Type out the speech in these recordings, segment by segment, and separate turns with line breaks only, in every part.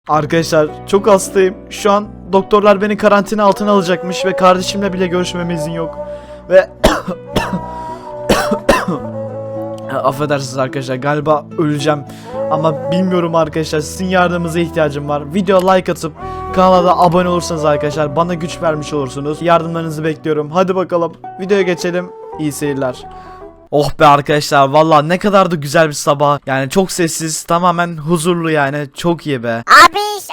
Arkadaşlar çok hastayım. Şu an doktorlar beni karantina altına alacakmış ve kardeşimle bile görüşmeme izin yok. Ve affedersiniz arkadaşlar, galiba öleceğim. Ama bilmiyorum arkadaşlar, sizin yardımınıza ihtiyacım var. Video like atıp kanala da abone olursanız arkadaşlar bana güç vermiş olursunuz. Yardımlarınızı bekliyorum. Hadi bakalım videoya geçelim. İyi seyirler. Oh be arkadaşlar, vallahi ne kadar da güzel bir sabah. Yani çok sessiz, tamamen huzurlu, yani çok iyi be.
Abiş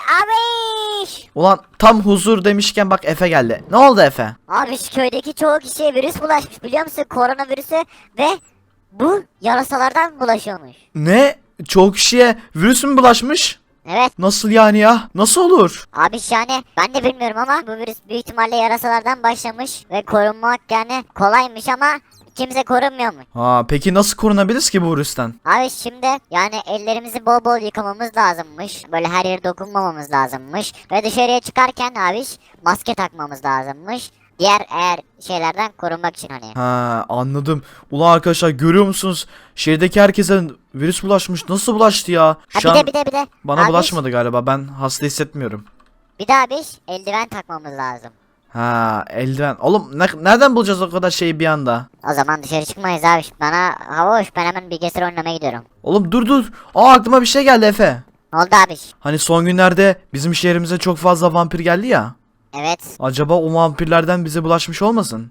abiş.
Ulan tam huzur demişken bak Efe geldi. Ne oldu Efe?
Abiş köydeki çoğu kişiye virüs bulaşmış biliyor musun? Koronavirüsü ve bu yarasalardan bulaşıyormuş.
Ne? Çok kişiye virüs mü bulaşmış?
Evet.
Nasıl yani ya? Nasıl olur?
Abiş yani ben de bilmiyorum ama bu virüs büyük ihtimalle yarasalardan başlamış ve korunmak yani kolaymış ama kimse korunmuyormuş.
Ha, peki nasıl korunabiliriz ki bu virüsten?
Abi şimdi yani ellerimizi bol bol yıkamamız lazımmış. Böyle her yere dokunmamamız lazımmış. Ve dışarıya çıkarken abi maske takmamız lazımmış. Diğer eğer şeylerden korunmak için hani.
Ha, anladım. Ulan arkadaşlar, görüyor musunuz? Şehirdeki herkese virüs bulaşmış. Nasıl bulaştı ya?
Ha
Şu
bir
an
de bir de.
bana
Abi,
bulaşmadı galiba. Ben hasta hissetmiyorum.
bir de abi eldiven takmamız lazım.
Ha, eldiven. Oğlum nereden bulacağız o kadar şeyi bir anda?
O zaman dışarı çıkmayız abi. Bana hava hoş, ben hemen bilgisayar oynamaya gidiyorum.
Oğlum dur. Aa, aklıma bir şey geldi Efe.
Ne oldu abi?
Hani son günlerde bizim şehrimize çok fazla vampir geldi ya.
Evet.
Acaba o vampirlerden bize bulaşmış olmasın?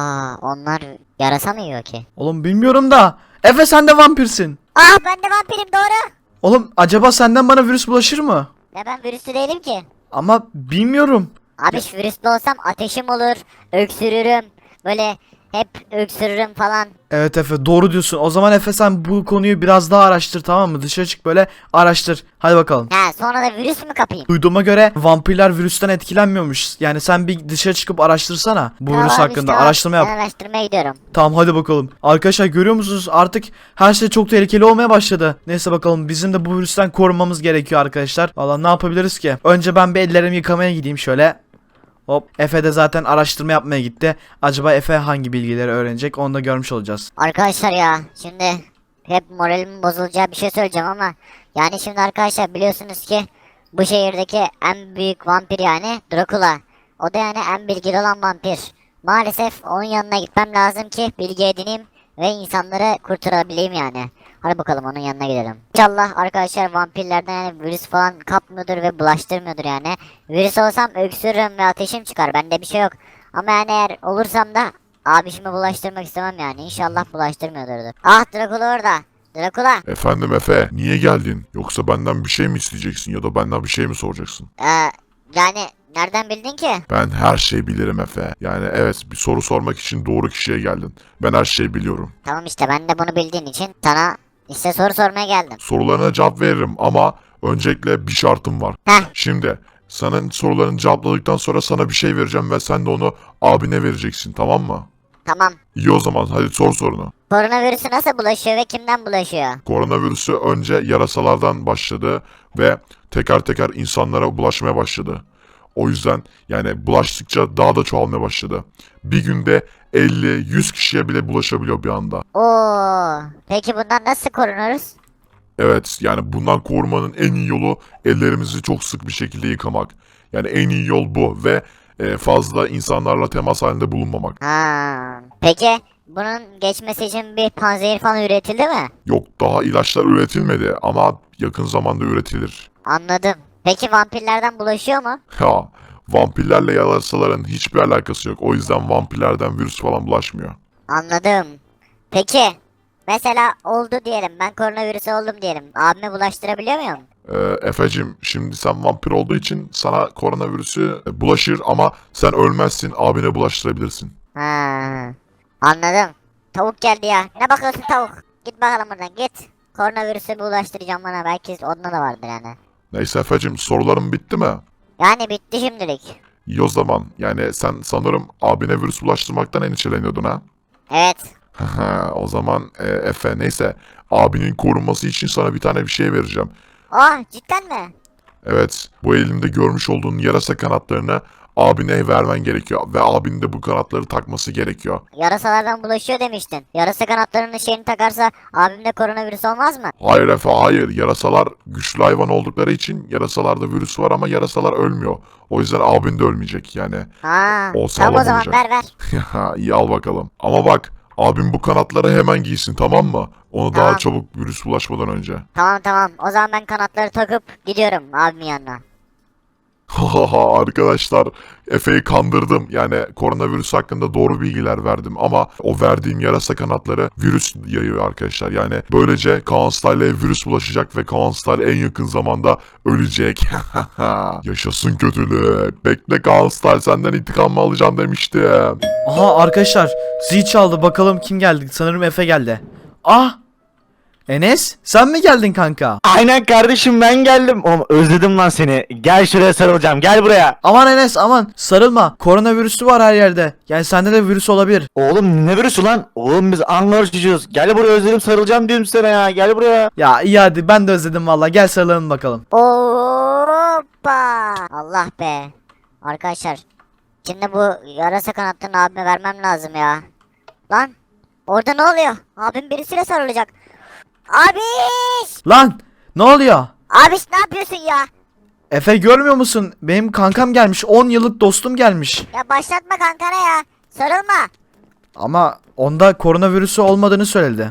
Onlar yarasa mı yiyor ki?
Oğlum bilmiyorum da. Efe, sen de vampirsin.
Ben de vampirim doğru.
Oğlum acaba senden bana virüs bulaşır mı?
Ya ben virüslü değilim ki.
Ama bilmiyorum.
Abi virüslü olsam ateşim olur, öksürürüm. Böyle hep öksürürüm falan.
Evet Efe, doğru diyorsun. O zaman Efe, sen bu konuyu biraz daha araştır, tamam mı? Dışarı çık, böyle araştır. Hadi bakalım.
Sonra da virüs mü kapayım?
Duyduğuma göre vampirler virüsten etkilenmiyormuş. Yani sen bir dışarı çıkıp araştırsana bu virüs
Tamam abi,
hakkında.
tamam.
Araştırma yap.
Ben araştırmaya gidiyorum.
Tamam, hadi bakalım. Arkadaşlar, görüyor musunuz? Artık her şey çok tehlikeli olmaya başladı. Neyse bakalım, bizim de bu virüsten korunmamız gerekiyor arkadaşlar. Valla ne yapabiliriz ki? Önce ben bir ellerimi yıkamaya gideyim şöyle. Hop, Efe de zaten araştırma yapmaya gitti. Acaba Efe hangi bilgileri öğrenecek, onu da görmüş olacağız.
Arkadaşlar ya şimdi hep moralimin bozulacağı bir şey söyleyeceğim ama yani şimdi arkadaşlar biliyorsunuz ki bu şehirdeki en büyük vampir yani Dracula. O da yani en bilgili olan vampir. Maalesef onun yanına gitmem lazım ki bilgi edineyim ve insanları kurtarabileyim yani. Hadi bakalım onun yanına gidelim. İnşallah arkadaşlar vampirlerden yani virüs falan kapmıyordur ve bulaştırmıyordur yani. Virüs olsam öksürürüm ve ateşim çıkar. Bende bir şey yok. Ama yani eğer olursam da abişime bulaştırmak istemem yani. İnşallah bulaştırmıyordur. Ah Dracula orada. Dracula.
Efendim Efe, niye geldin? Yoksa benden bir şey mi isteyeceksin ya da benden bir şey mi soracaksın?
Yani nereden bildin ki?
Ben her şeyi bilirim Efe. Yani evet, bir soru sormak için doğru kişiye geldin. Ben her şeyi biliyorum.
Tamam işte ben de bunu bildiğin için sana işte soru sormaya geldim.
Sorularına cevap veririm ama öncelikle bir şartım var.
Heh.
Şimdi senin sorularını cevapladıktan sonra sana bir şey vereceğim ve sen de onu abine vereceksin, tamam mı?
Tamam.
İyi, o zaman hadi sor sorunu.
Koronavirüsü nasıl bulaşıyor ve kimden bulaşıyor?
Koronavirüsü önce yarasalardan başladı ve teker teker insanlara bulaşmaya başladı. O yüzden yani bulaştıkça daha da çoğalmaya başladı. Bir günde 50-100 kişiye bile bulaşabiliyor bir anda.
Peki bundan nasıl korunuruz?
Evet, yani bundan korunmanın en iyi yolu ellerimizi çok sık bir şekilde yıkamak. Yani en iyi yol bu ve fazla insanlarla temas halinde bulunmamak.
Peki bunun geçmesi için bir panzehir falan üretildi mi?
Yok, daha ilaçlar üretilmedi ama yakın zamanda üretilir.
Anladım. Peki vampirlerden bulaşıyor mu?
Ya, vampirlerle yarasaların hiçbir alakası yok. O yüzden vampirlerden virüs falan bulaşmıyor.
Anladım. Peki mesela oldu diyelim, ben koronavirüsü oldum diyelim. Abime bulaştırabiliyor muyum?
Efecim, şimdi sen vampir olduğu için sana koronavirüsü bulaşır ama sen ölmezsin, abine bulaştırabilirsin.
Anladım. Tavuk geldi ya. Ne bakıyorsun tavuk? Git bakalım buradan git. Koronavirüsü bulaştıracağım bana, belki onda da vardır yani.
Neyse Efecim, sorularım bitti mi?
Yani bitti şimdilik.
İyi o zaman. Yani sen sanırım abine virüs bulaştırmaktan endişeleniyordun ha?
Evet.
O zaman Efe, neyse. Abinin korunması için sana bir tane bir şey vereceğim.
Cidden mi?
Evet, bu elimde görmüş olduğun yarasa kanatlarını abine vermen gerekiyor. Ve abinin de bu kanatları takması gerekiyor.
Yarasalardan bulaşıyor demiştin. Yarasa kanatlarının şeyini takarsa abimde koronavirüs olmaz mı?
Hayır Efe, hayır. Yarasalar güçlü hayvan oldukları için yarasalarda virüs var ama yarasalar ölmüyor. O yüzden abin de ölmeyecek yani.
Ha,
O
tamam
sağlam
o zaman
olacak.
ver.
İyi, al bakalım. Ama bak, abim bu kanatları hemen giysin, tamam mı? Onu
Tamam.
daha çabuk virüs bulaşmadan önce.
Tamam o zaman ben kanatları takıp gidiyorum abimin yanına.
Hahaha, arkadaşlar, Efe'yi kandırdım. Yani koronavirüs hakkında doğru bilgiler verdim ama o verdiğim yarasa kanatları virüs yayıyor arkadaşlar. Yani böylece Kaan Style'e virüs bulaşacak ve Kaan Style en yakın zamanda ölecek. Yaşasın kötülük. Bekle Kaan Style, senden intikamımı alacağım demiştim.
Aha arkadaşlar, zil çaldı, bakalım kim geldi. Sanırım Efe geldi. Ah, Enes sen mi geldin kanka?
Aynen kardeşim, ben geldim. Oğlum özledim lan seni. Gel şuraya sarılacağım. Gel buraya.
Aman Enes aman, sarılma, koronavirüsü var her yerde. Yani sende de virüs olabilir.
Oğlum ne virüsü lan? Oğlum biz Ankara çocuğuz. Gel buraya, özledim, sarılacağım diyorum sana ya. Gel buraya.
Ya iyi hadi, ben de özledim valla, gel sarılalım bakalım.
Hoppa! Allah be. Arkadaşlar, şimdi bu yarasa kanatlarını abime vermem lazım ya. Lan, orada ne oluyor? Abim birisiyle sarılacak. Abiş!
Lan ne oluyor?
Abiş ne yapıyorsun ya?
Efe görmüyor musun? Benim kankam gelmiş, 10 yıllık dostum gelmiş.
Ya başlatma kankana ya. Sarılma.
Ama onda koronavirüsü olmadığını söyledi.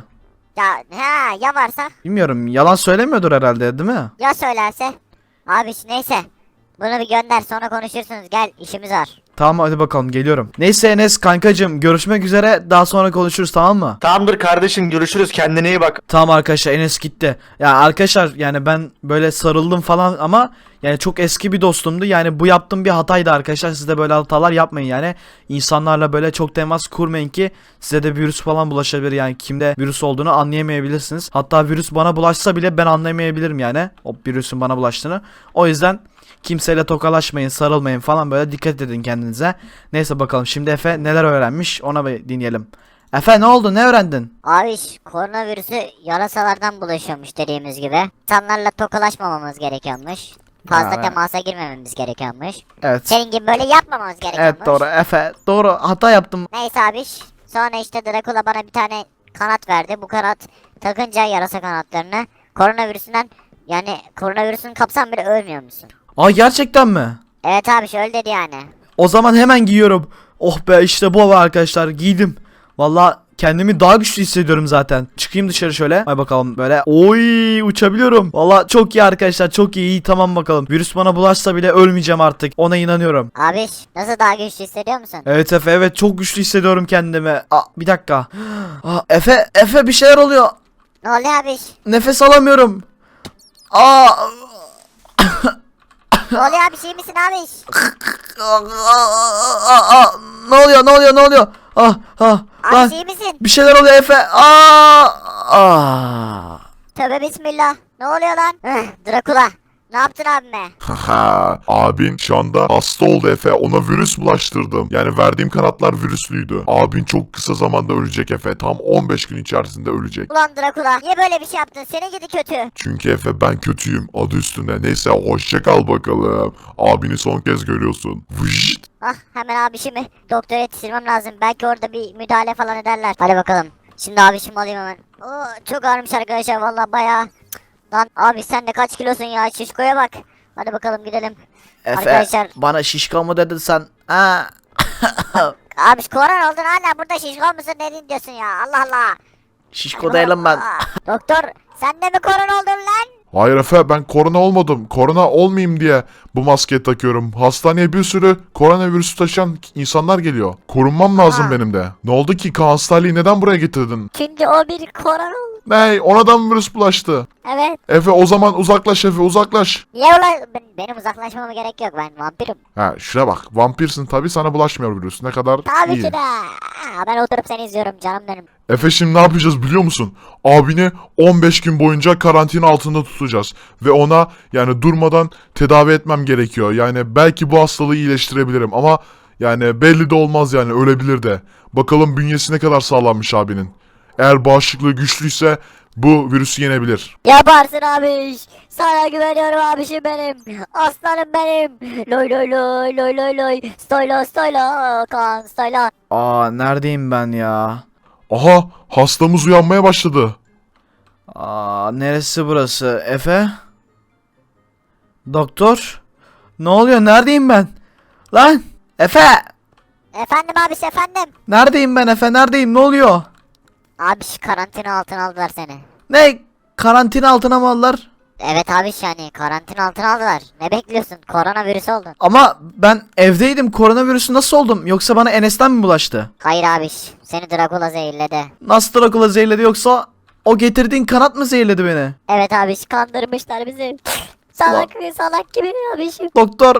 Ya varsa?
Bilmiyorum, yalan söylemiyordur herhalde, değil mi?
Ya söylerse? Abiş neyse. Bunu bir gönder, sonra konuşursunuz. Gel, işimiz var.
Tamam hadi bakalım, geliyorum. Neyse Enes kankacım, görüşmek üzere, daha sonra konuşuruz, tamam mı?
Tamamdır kardeşim, görüşürüz. Kendine iyi bak.
Tamam arkadaşlar, Enes gitti. Ya arkadaşlar, yani ben böyle sarıldım falan ama yani çok eski bir dostumdu. Yani bu yaptığım bir hataydı arkadaşlar. Siz de böyle hatalar yapmayın yani. İnsanlarla böyle çok temas kurmayın ki size de virüs falan bulaşabilir. Yani kimde virüs olduğunu anlayamayabilirsiniz. Hatta virüs bana bulaşsa bile ben anlayamayabilirim yani. O virüsün bana bulaştığını. O yüzden kimseyle tokalaşmayın, sarılmayın falan, böyle dikkat edin kendinize. Neyse bakalım, şimdi Efe neler öğrenmiş ona bir dinleyelim. Efe ne oldu, ne öğrendin?
Abiş, koronavirüsü yarasalardan bulaşıyormuş dediğimiz gibi. İnsanlarla tokalaşmamamız gerekiyormuş. Fazla
Ha,
temasa girmememiz gerekiyormuş.
Evet.
Senin gibi böyle yapmamamız gerekiyormuş.
Evet doğru Efe, doğru, hata yaptım.
Neyse abiş. Sonra işte Dracula bana bir tane kanat verdi. Bu kanat takınca yarasa kanatlarını koronavirüsünden, yani koronavirüsün kapsam bile ölmüyor musun?
Aa gerçekten mi?
Evet abiş, öyle dedi yani.
O zaman hemen giyiyorum. Oh be, işte bu arkadaşlar, giydim. Valla kendimi daha güçlü hissediyorum zaten. Çıkayım dışarı şöyle. Hay bakalım böyle. Oy, uçabiliyorum. Valla çok iyi arkadaşlar, çok iyi. İyi, tamam bakalım. Virüs bana bulaşsa bile ölmeyeceğim artık. Ona inanıyorum.
Abiş, nasıl daha güçlü hissediyor musun?
Evet Efe, evet çok güçlü hissediyorum kendimi. Aa, bir dakika. Aa, Efe bir şeyler oluyor.
Ne oluyor abiş?
Nefes alamıyorum. Aa.
Ne oluyor abiş, iyi misin abiş?
Ne oluyor? Lan,
Abiş iyi misin?
bir şeyler oluyor Efe.
Tövbe bismillah. Ne oluyor lan? Dracula. Ne yaptın abime?
Haha, abin şu anda hasta oldu Efe. Ona virüs bulaştırdım. Yani verdiğim kanatlar virüslüydü. Abin çok kısa zamanda ölecek Efe. Tam 15 gün içerisinde ölecek.
Ulan Dracula, niye böyle bir şey yaptın? Senin gidi kötü.
Çünkü Efe ben kötüyüm. Adı üstünde. Neyse, hoşça kal bakalım. Abini son kez görüyorsun. Vıjt.
Ah, hemen abişimi doktora yetiştirmem lazım. Belki orada bir müdahale falan ederler. Hadi bakalım. Şimdi abişimi alayım hemen. Oo, çok ağrımış arkadaşlar, vallahi bayağı. Lan abi sen de kaç kilosun ya, şişkoya bak. Hadi bakalım gidelim. Arkadaşlar,
bana şişko mu dedin sen? Ha.
abiş korona oldun hala burada şişko musun, ne diyorsun ya, Allah Allah.
Şişko değilim ben.
Aa, doktor, sen de mi korona oldun lan?
Hayır Efe, ben korona olmadım. Korona olmayayım diye bu maskeyi takıyorum. Hastaneye bir sürü koronavirüsü taşıyan insanlar geliyor. Korunmam lazım
Ha.
benim de. Ne oldu ki, Kaan Style'yi neden buraya getirdin?
Çünkü o bir korona oldu.
Ney? Ona da mı virüs bulaştı?
Evet.
Efe o zaman uzaklaş Efe, uzaklaş.
Niye ulan? Benim uzaklaşmama gerek yok, ben vampirim.
Ha, şuna bak, vampirsin tabi, sana bulaşmıyor virüs. Ne kadar
Tabii
iyi.
ki de. Aa, ben oturup seni izliyorum canım benim.
Efe şimdi ne yapacağız biliyor musun? Abini 15 gün boyunca karantina altında tutacağız. Ve ona yani durmadan tedavi etmem gerekiyor. Yani belki bu hastalığı iyileştirebilirim ama yani belli de olmaz, yani ölebilir de. Bakalım bünyesi ne kadar sağlammış abinin. Eğer bağışıklığı güçlüyse bu virüsü yenebilir.
Yaparsın abiş. Sana güveniyorum abişim benim. Aslanım benim. Loy loy loy loy loy loy. Stoyla stoyla. Kaan stoyla.
Aa neredeyim ben ya?
Aha, hastamız uyanmaya başladı.
Aa neresi burası? Efe? Doktor? Ne oluyor? Neredeyim ben? Lan! Efe!
Efendim abiş efendim.
Neredeyim ben Efe? Neredeyim? Ne oluyor?
Abiş karantina altına aldılar seni.
Ne? Karantina altına mı aldılar?
Evet abiş yani karantina altına aldılar. Ne bekliyorsun? Koronavirüs oldun.
Ama ben evdeydim. Koronavirüsü nasıl oldum? Yoksa bana Enes'ten mi bulaştı?
Hayır abiş. Seni Dracula zehirledi.
Nasıl Dracula zehirledi yoksa o getirdiğin kanat mı zehirledi beni?
Evet abiş kandırmışlar bizi. Salak salak gibi abişim.
Doktor.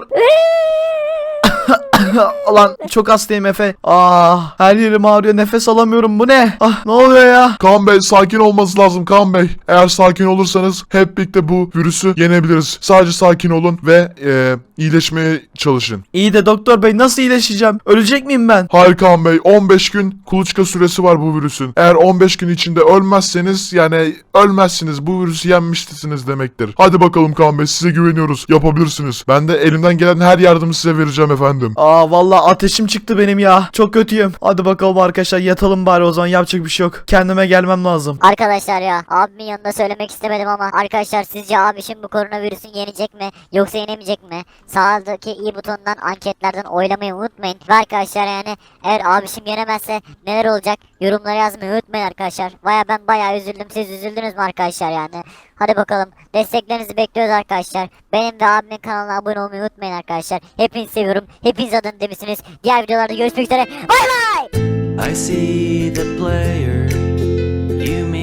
Ulan çok hastayım Efe. Ah her yerim ağrıyor, nefes alamıyorum, bu ne? Ah ne oluyor ya?
Kaan Bey, sakin olması lazım Kaan Bey. Eğer sakin olursanız hep birlikte bu virüsü yenebiliriz. Sadece sakin olun ve iyileşmeye çalışın.
İyi de doktor bey nasıl iyileşeceğim? Ölecek miyim ben?
Hayır Kaan Bey, 15 gün kuluçka süresi var bu virüsün. Eğer 15 gün içinde ölmezseniz, yani ölmezsiniz, bu virüsü yenmişsiniz demektir. Hadi bakalım Kaan Bey, size güveniyoruz. Yapabilirsiniz. Ben de elimden gelen her yardımı size vereceğim efendim.
Aa vallahi ateşim çıktı benim ya. Çok kötüyüm. Hadi bakalım arkadaşlar, yatalım bari o zaman, yapacak bir şey yok. Kendime gelmem lazım.
Arkadaşlar ya abimin yanında söylemek istemedim ama arkadaşlar sizce abişim bu koronavirüsün yenecek mi yoksa yenemeyecek mi? Sağdaki i butonundan anketlerden oylamayı unutmayın. Ve arkadaşlar yani eğer abişim yenemezse neler olacak yorumlara yazmayı unutmayın arkadaşlar. Ben bayağı üzüldüm, siz üzüldünüz mü arkadaşlar yani? Hadi bakalım, desteklerinizi bekliyoruz arkadaşlar. Benim ve abimin kanalına abone olmayı unutmayın arkadaşlar. Hepinizi seviyorum. Hepiniz adını demişsiniz. Diğer videolarda görüşmek üzere. Bay bay.
I see the player you